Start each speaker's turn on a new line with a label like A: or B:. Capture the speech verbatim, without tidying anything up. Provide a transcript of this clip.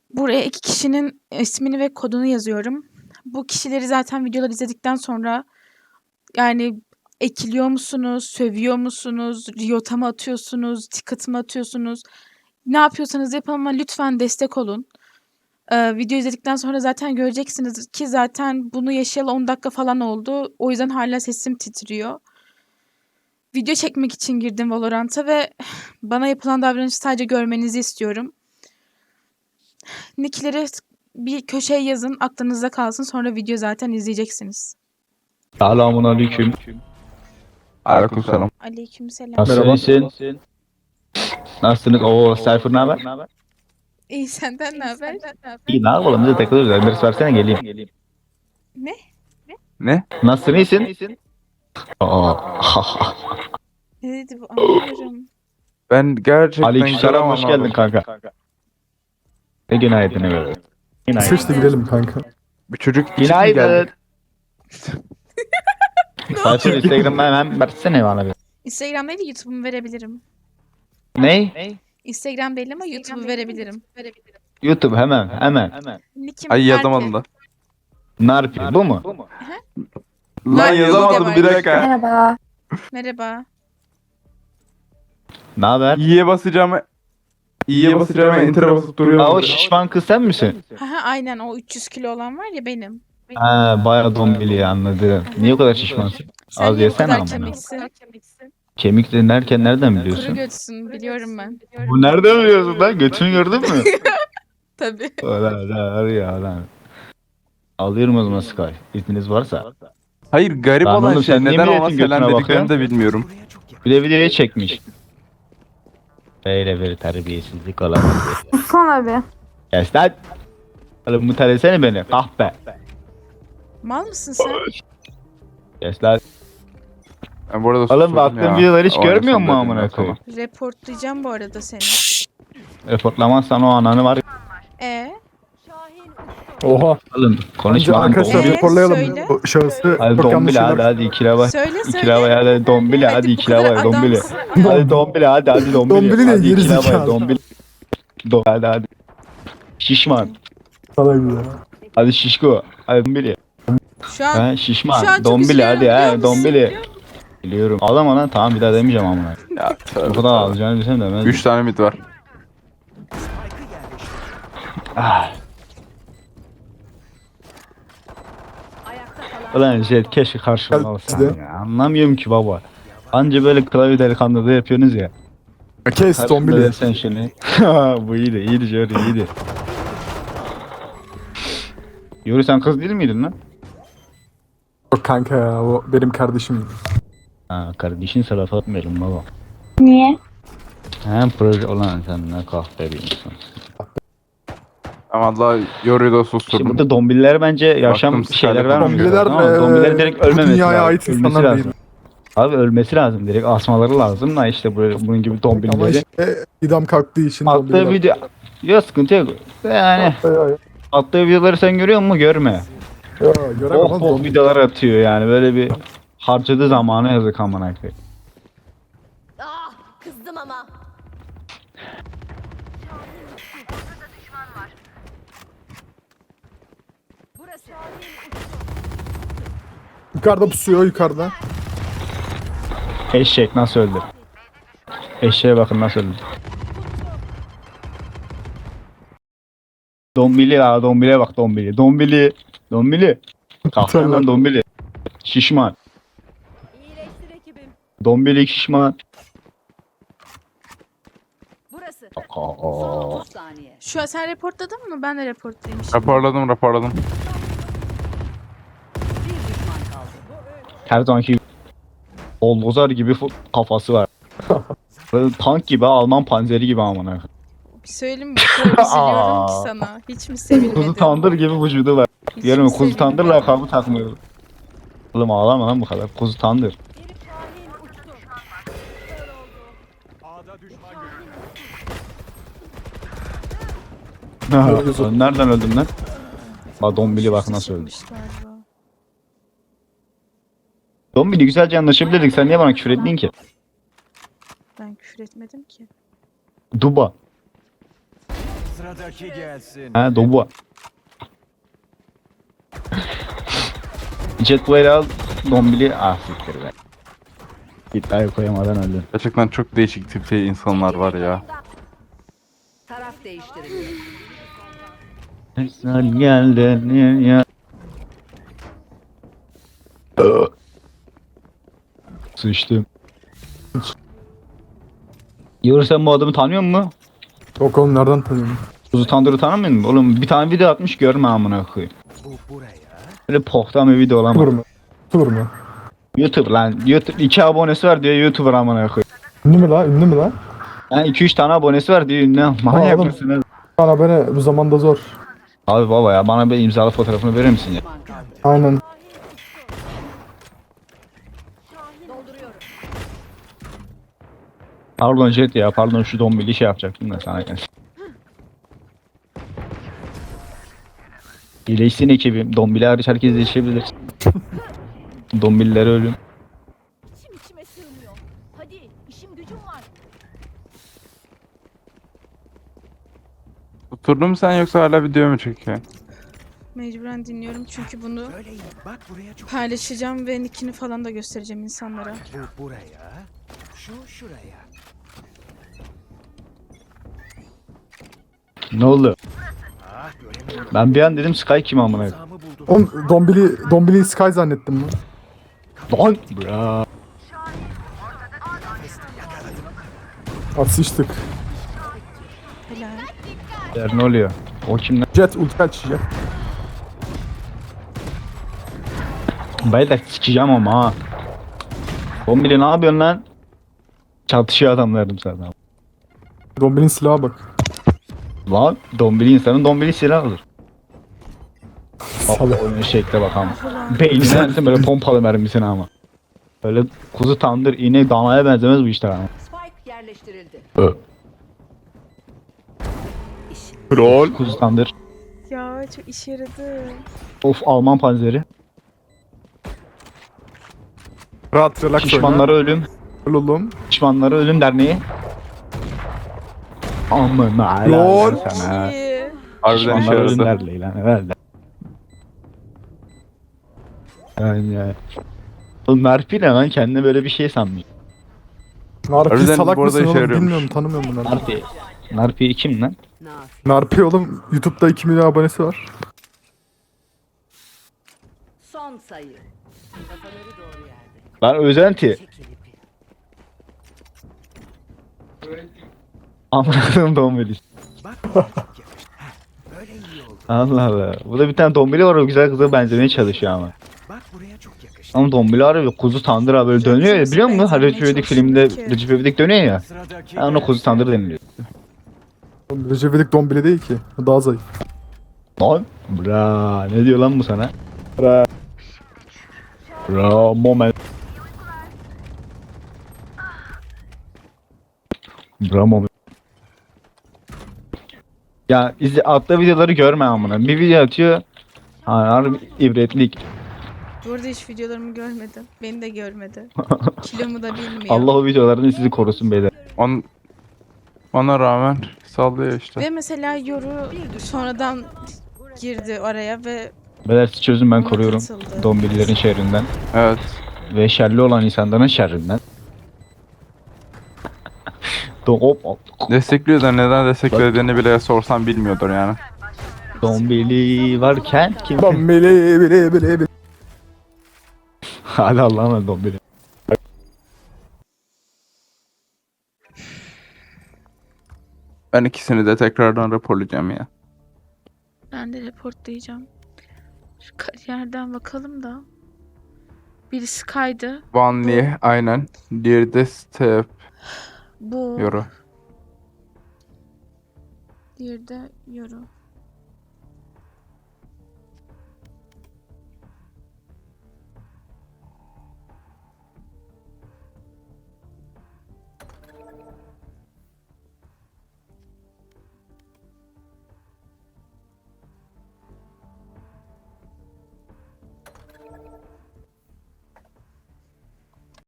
A: Buraya iki kişinin ismini ve kodunu yazıyorum. Bu kişileri zaten videoları izledikten sonra yani ekiliyor musunuz, sövüyor musunuz, riota mı atıyorsunuz, ticket mı atıyorsunuz? Ne yapıyorsanız yapın ama lütfen destek olun. Eee, video izledikten sonra zaten göreceksiniz ki zaten bunu yaşayalı on dakika falan oldu. O yüzden hala sesim titriyor. Video çekmek için girdim Valorant'a ve bana yapılan davranışı sadece görmenizi istiyorum. Nick'leri bir köşeye yazın, aklınızda kalsın. Sonra video zaten izleyeceksiniz.
B: Selamun aleyküm.
C: Aleykümselam.
A: Aleykümselam.
B: Nasılsın? Nasılsınız? Oo, Cypher ne haber?
A: İyi, senden ne haber?
B: İyi, ne yapalım? Biz de takılıyoruz. Emir versene geleyim.
A: Ne?
C: Ne?
B: Nasılsın, iyisin? Aa,
A: Ne dedi bu? Anlamıyorum.
C: Ben gerçekten
B: Aleykümselam, hoş
C: anlamadım.
B: geldin kanka. Ne günaydın evet. Günaydın.
D: Seç de girelim kanka.
C: Bir çocuk için mi
B: Günaydın.
C: geldi?
B: Cypher Instagram'dan hemen versene bana bir.
A: Instagram değil de YouTube'umu verebilirim.
B: Ne?
A: Instagram değil ama YouTube'u verebilirim.
B: YouTube hemen hemen.
A: Nickim
C: Ay
A: Berke.
C: yazamadım da.
B: Ne yapıyor? Bu mu?
C: Lan
A: Var,
C: yazamadım
A: var.
C: bir dakika.
E: Merhaba.
A: Merhaba.
B: Ne haber?
C: İyiye basacağım. İyiye basacağım enter'a basıp
B: Aa, o
C: duruyorum.
B: şişman kız sen misin?
A: Haha, aynen o üç yüz kilo olan var ya benim.
B: Ha, bayağı dombili anladım. Niye o kadar şişmansın?
A: Sen
B: Az
A: niye bu
B: yesene
A: kadar
B: ama.
A: kemiksin?
B: Kemik de derken nereden
A: Kuru
B: biliyorsun?
A: götsün biliyorum ben.
B: Bu nereden biliyorsun lan? Götünü gördün mü?
A: Tabii.
B: Ulan lan ya lan. Alıyorum o zaman Sky. İzniniz varsa.
C: Hayır garip
B: Lan
C: olan
B: oğlum,
C: şey
B: sen niye
C: neden ona
B: milletin
C: selam
B: götüne
C: dediklerini de bilmiyorum.
B: Bir de videoya çekmiş. Böyle bir terbiyesizlik olamaz.
E: Sana bir.
B: Kes lan. Oğlum mutelesene beni. Kahpe.
A: Mal mısın sen?
B: Kes lan.
C: Ben bu arada
B: Oğlum
C: susturdum
B: baktığım
C: ya.
B: videoları hiç
C: O
B: görmüyor
C: en
B: musun
C: son
B: amına
C: dediğimden
B: koyayım?
A: Reportlayacağım bu arada seni.
B: Reportlamazsan o ananı var.
A: E
D: Oha.
B: Oğlum
D: Önce
B: konuşma lan
D: arkadaşlar
A: Ee,
B: dombili.
D: raporlayalım.
A: söyle.
D: O şahısı
B: Hadi
D: çok yanlış
B: dombili hadi
D: şeyler.
B: hadi ikile bak.
A: söyle
B: İkile
A: söyle.
B: bak hadi dombili hadi
A: Hadi bu
B: ikile
A: kadar
B: bak dombili.
A: adamsın.
B: Hadi dombili hadi hadi dombili.
D: Dombili ne?
B: Hadi
D: Geri
B: ikile bak
D: zekalı.
B: dombili. Do hadi hadi. Şişman.
D: Sana güzel.
B: Hadi şişko. Hadi dombili.
A: Şu an
B: Ha
A: Şu an
B: şişman.
A: çok
B: Dombili
A: üzülüyorum,
B: hadi
A: biliyor
B: ha
A: musun?
B: dombili. Biliyorum. Ağlama lan tamam bir daha demeyeceğim amına.
C: Ya
B: Bu
C: tövbe
B: kadar
C: tövbe.
B: alacağını bilsem demez.
C: Üç tane mid var.
B: Ah. Ulan Jet keşke karşıma olsan
D: Geldi.
B: ya. Anlamıyorum ki baba. Anca böyle klavye delikanlıda yapıyorsunuz ya.
D: Kes
B: Karşımda
D: Dombili.
B: desen şunu. Bu iyiydi iyiydi Jerry iyiydi. Yuri sen kız değil miydin lan?
D: Yok kanka ya o benim kardeşim.
B: Ha kardeşin laf atmayalım baba.
E: Niye?
B: Hem proje olan sen ne kahpe bir insan.
C: Ama Allah yoruyu da
B: İşte
C: susturdum.
B: burada dombiller bence yaşam
C: Baktım
B: şeyler
C: Skyler
B: vermiyor.
D: Dombililer,
B: Tamam,
D: eee,
B: dombiller direkt
D: bu
B: ölmemesi
D: dünyaya
B: lazım.
D: ait
B: Ölmesi
D: insanlar
B: lazım.
D: değil.
B: Abi ölmesi lazım direkt asmaları lazım da işte böyle bunun gibi
D: Ama
B: dombilleri.
D: işte idam kalktığı için
B: Attığı
D: Dombililer.
B: video ya sıkıntı yok. Yani
D: Ay, ay, ay.
B: attığı videoları sen görüyor musun? Görme.
D: Ya, göremem
B: Oh
D: lan
B: oh
D: Dombili.
B: videolar atıyor yani böyle bir harcadığı zamanı yazık amına koyayım.
F: Ah, kızdım ama. Burası.
D: Yukarıda pusuyor yukarıda.
B: Eşek nasıl öldü? Eşeğe bakın nasıl öldü. Dombili ya dombile bak dombili. Dombili. Dombili. Kalksana lan dombili. Şişman.
F: İyileştir ekibim.
B: Dombili şişman.
F: Burası.
B: Aa.
F: Son otuz saniye.
A: Şu an sen reportladın mı? Ben de reportlayayım şimdi.
C: Raporladım raporladım.
F: Bir düşman kaldı.
B: Her zamanki Olgozar gibi fu- kafası var. Böyle tank gibi Alman panzeri gibi amına. koyayım.
A: Bir söyleyeyim mi? Bu kadar üzülüyorum ki sana. Hiç mi sevilmedin?
B: Kuzu tandır gibi vücudu var.
A: Hiç
B: Yarın
A: mi
B: kuzu tandır
A: sevilmedin?
B: lakabı takmıyor. Oğlum ağlama lan bu kadar. Kuzu tandır. Sen nereden öldün lan? Bak Dombili bak nasıl öldü.
A: Çıkmış galiba.
B: Dombili güzelce anlaşabilirdik. Sen niye bana küfür ettin ki?
A: Ben küfür etmedim ki.
B: Duba.
G: Sıradaki gelsin.
B: Ha Dobu. Jet Blade'i al. Dombili. Ah siktir be. İddiayı koyamadan öldüm.
C: Gerçekten çok değişik tipte insanlar var ya.
F: Taraf değiştirildi.
B: Sen geldin ya. Sıçtım. Yoru sen bu adamı tanıyor musun?
D: Yok oğlum nereden tanıyorum?
B: Kuzu Tandır'ı tanımıyor musun? Oğlum bir tane video atmış görme amına koyayım.
G: Bu buraya.
B: Böyle pohtan bir video
D: Olur
B: olamaz.
D: mu? Olur mu?
B: YouTube lan. YouTube iki abonesi var diyor YouTuber amına koyayım.
D: Ünlü mü la? Ünlü mü la?
B: Yani iki üç tane abonesi var diyor ünlü. Manyak
D: oğlum.
B: mısınız?
D: Bana beni bu zamanda zor.
B: Abi baba ya bana bir imzalı fotoğrafını verir misin ya?
F: Düşman kaldı.
D: Aynen.
F: Dolduruyorum.
B: Pardon Jet ya pardon şu dombili şey yapacaktım da sana gelsin. İyileşsin ekibim. Dombili hariç herkes iyileşebilir. Dombililere ölüm.
H: İçim içime sığmıyor. Hadi işim gücüm var.
C: Oturdun mu sen yoksa hala video mu çekiyorsun?
A: Mecburen dinliyorum çünkü bunu
G: Böyle iyi. Bak buraya çok.
A: paylaşacağım ve nickini falan da göstereceğim insanlara.
G: Bu buraya. Şu şuraya.
B: Ne oldu?
G: Ah göremiyorum.
B: Ben bir an dedim Sky kim amına koyayım.
G: Zamı buldum.
D: Oğlum Dombili, Dombili Sky zannettim ben.
B: Lan! Bra.
D: At sıçtık.
A: Helal.
B: Der ne oluyor? O kim lan?
D: Jet ulti açacak.
B: Ben de sikeceğim ama ha. Dombili ne yapıyorsun lan? Çatışıyor adamlarım sana.
D: Dombili'nin silaha bak.
B: Lan dombili insanın dombili silah alır. Bak
D: Salak.
B: oyunun şekle bak ama. Beynine atın böyle pompalı mermisini ama. Böyle kuzu tandır iğne danaya benzemez bu işler ama.
F: Spike yerleştirildi.
B: Ö. Rol. Kuzu tandır.
A: Ya çok işe yaradı.
B: Of Alman panzeri.
D: Rahat relax
B: Şişmanlara ölüm.
D: oyna. Oğlum.
B: Şişmanlara ölüm derneği. Amına
D: Lol.
B: helal sana.
A: İyi.
C: Harbiden işe
B: Şişmanlara ölüm
C: yaradı.
B: derneği lan herhalde. Yani ya. Oğlum Merpi ne lan kendine böyle bir şey sanmıyor.
D: Narpi
C: Harbiden
D: salak
C: bu arada
D: mısın
C: işe
D: oğlum?
C: yarıyormuş.
D: Bilmiyorum tanımıyorum bunu.
B: Narpi. Narpi kim lan?
F: Nafi.
D: Narpi oğlum YouTube'da iki milyon abonesi var.
F: Son sayı. Kafaları doğru yerde.
B: Lan özenti.
F: Çekil ipi.
B: Anladım dombili.
G: Bak buraya çok yakıştı. Heh, böyle iyi oldu.
B: Allah Allah. Burada bir tane dombili var o güzel kıza benzemeye çalışıyor ama.
G: Bak buraya çok yakıştı.
B: Ama dombili harbi kuzu tandır abi böyle dönüyor ya biliyor musun? Hani Recep İvedik filminde Recep İvedik dönüyor ya.
G: Sıradaki
B: Yani ona kuzu tandır deniliyor.
D: Oğlum Recep İvedik Dombili değil ki. O daha zayıf.
B: Lan bra ne diyor lan bu sana?
D: Bra.
B: Bra moment. Bra moment. Ya izle atla videoları görme amına. Bir video atıyor. Ha, harbi ibretlik.
A: Bu arada hiç videolarımı görmedi. Beni de görmedi. Kilomu da bilmiyor.
B: Allah o videolardan sizi korusun beyler.
C: On, ona rağmen sallıyor işte.
A: Ve mesela Yoru sonradan girdi araya ve
B: Beyler siz çözün ben
A: ona
B: koruyorum.
A: katıldı.
B: Dombililerin şerrinden.
C: Evet.
B: Ve şerli olan insanların şerrinden. Do hop hop.
C: Destekliyor da neden desteklediğini bile sorsam bilmiyordur yani.
B: Dombili varken kim?
D: Dombili bili bili bili.
B: Hadi Allah'a emanet dombili.
C: Ben ikisini de tekrardan raporlayacağım ya.
A: Ben de reportlayacağım. Şu kariyerden bakalım da. Biri Sky'dı.
C: Van Lee aynen. Diğeri de Step
A: Bu.
C: Yoru.
A: Diğeri de Yoru.